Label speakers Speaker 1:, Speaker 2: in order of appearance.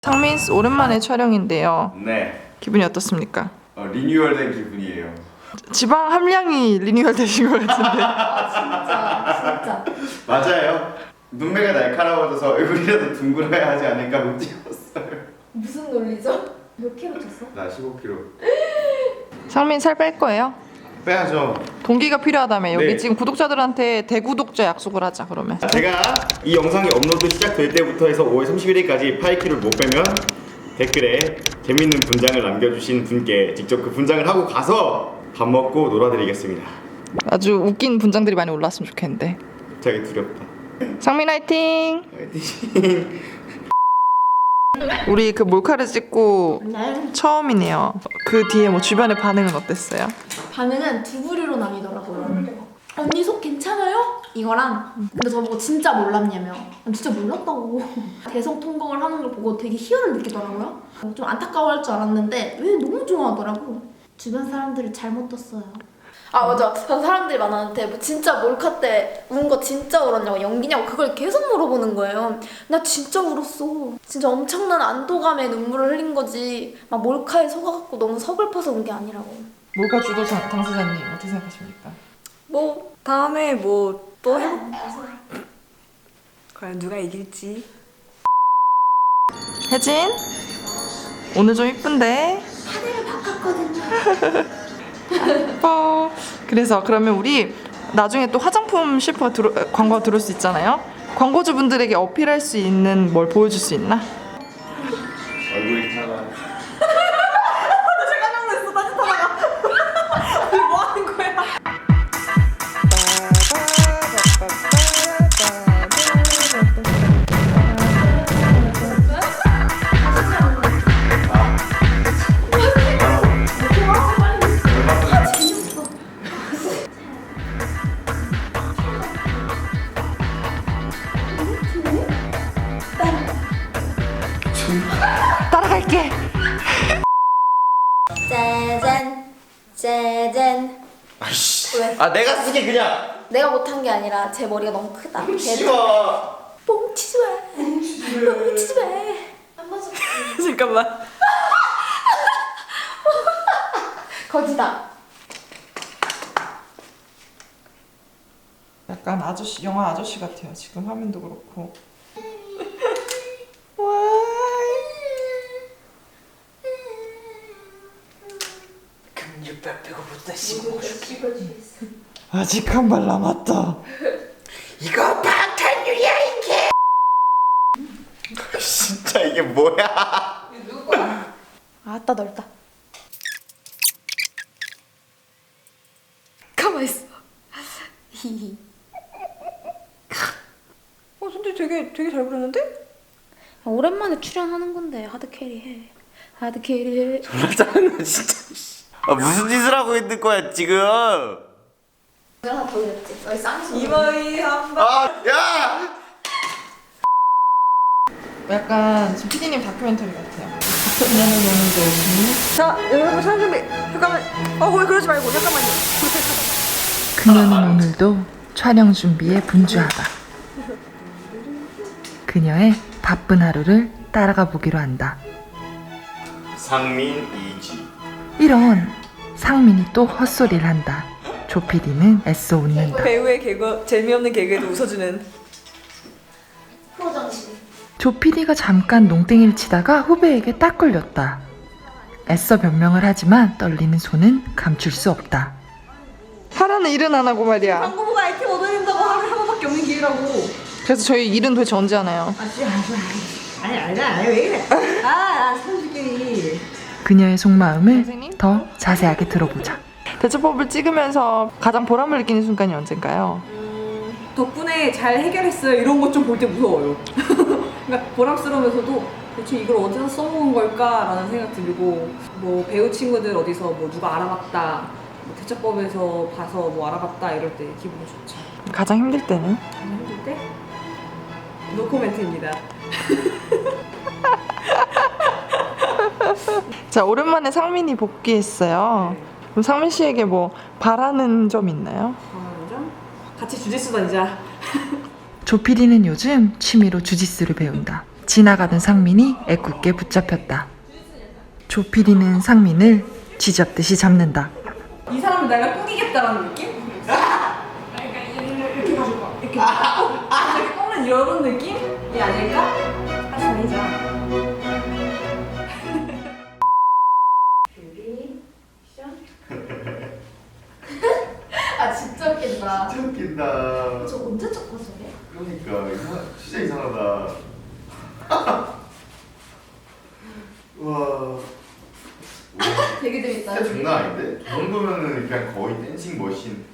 Speaker 1: 상민씨 오랜만에 촬영인데요.
Speaker 2: 네.
Speaker 1: 기분이 어떻습니까?
Speaker 2: 리뉴얼된 기분이에요.
Speaker 1: 지방 함량이 리뉴얼 되신 것 같은데.
Speaker 3: 진짜.
Speaker 2: 맞아요. 눈매가 날카로워져서 얼굴이라도 둥글어야 하지 않을까 못 찍었어요.
Speaker 3: 무슨 논리죠? 몇 킬로 쪘어?
Speaker 2: 나 15kg.
Speaker 1: 상민 살 뺄 거예요?
Speaker 2: 빼야죠.
Speaker 1: 동기가 필요하다며. 여기
Speaker 2: 네.
Speaker 1: 지금 구독자들한테 대구독자 약속을 하자 그러면.
Speaker 2: 제가 이 영상이 업로드 시작될 때부터 해서 5월 31일까지 8kg를 못 빼면 댓글에 재밌는 분장을 남겨주신 분께 직접 그 분장을 하고 가서 밥 먹고 놀아드리겠습니다.
Speaker 1: 아주 웃긴 분장들이 많이 올라왔으면 좋겠는데.
Speaker 2: 갑자기 두렵다.
Speaker 1: 상민 화이팅!
Speaker 2: 화이팅.
Speaker 1: 우리 그 몰카를 찍고
Speaker 3: 네.
Speaker 1: 처음이네요. 그 뒤에 뭐 주변의 반응은 어땠어요?
Speaker 3: 반응은 두 부류로 나뉘더라고요. 언니 속 괜찮아요? 이거랑 근데 저보고 진짜 몰랐냐며. 난 진짜 몰랐다고. 대성통곡을 하는 걸 보고 되게 희열을 느끼더라고요. 좀 안타까워할 줄 알았는데 왜 너무 좋아하더라고. 주변 사람들을 잘못 뒀어요. 아 맞아. 전 사람들이 많았는데 뭐 진짜 몰카 때 운 거 진짜 울었냐고 연기냐고 그걸 계속 물어보는 거예요. 나 진짜 울었어. 진짜 엄청난 안도감에 눈물을 흘린 거지. 막 몰카에 속아갖고 너무 서글퍼서 운 게 아니라고.
Speaker 1: 몰카 주도 당사자님 어떻게 생각하십니까?
Speaker 4: 뭐 다음에 뭐 또 해. 과연 누가 이길지.
Speaker 1: 혜진? 오늘 좀 이쁜데?
Speaker 3: 하늘을 바꿨거든요.
Speaker 1: 그래서 그러면 우리 나중에 또 화장품 셰프가 광고가 들어올 수 있잖아요. 광고주분들에게 어필할 수 있는 뭘 보여줄 수 있나?
Speaker 2: 얼굴이 타가.
Speaker 4: 뭐 하는 거야?
Speaker 1: 따라갈게.
Speaker 3: 짜잔 짜잔.
Speaker 2: 아이씨.
Speaker 3: 왜?
Speaker 2: 아 내가 쓰게 그냥.
Speaker 3: 내가 못한 게 아니라 제 머리가 너무 크다.
Speaker 2: 싫어.
Speaker 3: 뻥치지 마. 뻥치지 마. 안 맞아.
Speaker 4: 잠깐만.
Speaker 3: 거기다.
Speaker 1: 약간 아저씨 영화 아저씨 같아요. 지금 화면도 그렇고.
Speaker 4: 금육백 배고프다 씹어.
Speaker 1: 아직 한 발 남았다.
Speaker 2: 이거 방탄유리야 이게. 진짜 이게 뭐야?
Speaker 3: 아따 넓다. 가만 있어. 히히.
Speaker 4: 근데 되게 잘 부르는데?
Speaker 3: 오랜만에 출연하는 건데 하드 캐리해. 하드 캐리해.
Speaker 2: 졸라 짜증나 진짜. 아 무슨 짓을 하고 있는 거야 지금?
Speaker 3: 하나 더 올렸지. 여기 쌍수.
Speaker 4: 이마이 한 번.
Speaker 2: 아 야!
Speaker 1: 약간 지금 PD님 다큐멘터리 같아요. 그녀는 오늘도
Speaker 4: 자 여러분 촬영 준비. 잠깐만. 거기 그러지 말고 잠깐만요.
Speaker 1: 그녀는 오늘도 촬영 준비에 분주하다. 그녀의 바쁜 하루를 따라가 보기로 한다.
Speaker 2: 상민 이지.
Speaker 1: 이런 상민이 또 헛소리를 한다. 조 PD는 애써 웃는다.
Speaker 4: 배우의 개그 재미없는 개그에도 웃어주는.
Speaker 3: 프로정신.
Speaker 1: 조 PD가 잠깐 농땡이를 치다가 후배에게 딱 걸렸다. 애써 변명을 하지만 떨리는 손은 감출 수 없다. 하라는 일은 안 하고 말이야.
Speaker 4: 광고 보고 아이템 얻어낸다고 하루에 한 번밖에 없는 기회라고.
Speaker 1: 그래서 저희 일은 도대체 언제 하나요?
Speaker 4: 아니 왜 이래? 아 선수끼리.
Speaker 1: 그녀의 속마음을 더 자세하게 들어보자. 대처법을 찍으면서 가장 보람을 느끼는 순간이 언젠가요?
Speaker 4: 덕분에 잘 해결했어요. 이런 것 좀 볼 때 무서워요. 그러니까 보람스러우면서도 대체 이걸 어디서 써먹은 걸까라는 생각 들고 뭐 배우 친구들 어디서 뭐 누가 알아봤다 뭐 대처법에서 봐서 뭐 알아봤다 이럴 때 기분이 좋죠.
Speaker 1: 가장 힘들 때는?
Speaker 4: 힘들 때? 노코멘트입니다.
Speaker 1: 자, 오랜만에 상민이 복귀했어요. 그럼 상민 씨에게 뭐 바라는 점 있나요?
Speaker 4: 점? 같이 주짓수 던지자.
Speaker 1: 조 PD는 요즘 취미로 주짓수를 배운다. 지나가던 상민이 애꿎게 붙잡혔다. 조피디는 상민을 쥐잡듯이 잡는다.
Speaker 4: 이 사람을 내가 꾸기겠다라는 느낌? 이렇게 가지고 이렇게 이렇게 꺾는 이런 느낌이 아닐까? 하지 말자.
Speaker 3: 아 진짜 웃긴다.
Speaker 2: 진짜 웃긴다.
Speaker 3: 저 언제 쳤고 저게?
Speaker 2: 그러니까 진짜 이상하다. 와.
Speaker 3: 되게 재밌다.
Speaker 2: 진짜 장난 아닌데? 이 정도면은 그냥 거의 댄싱 머신.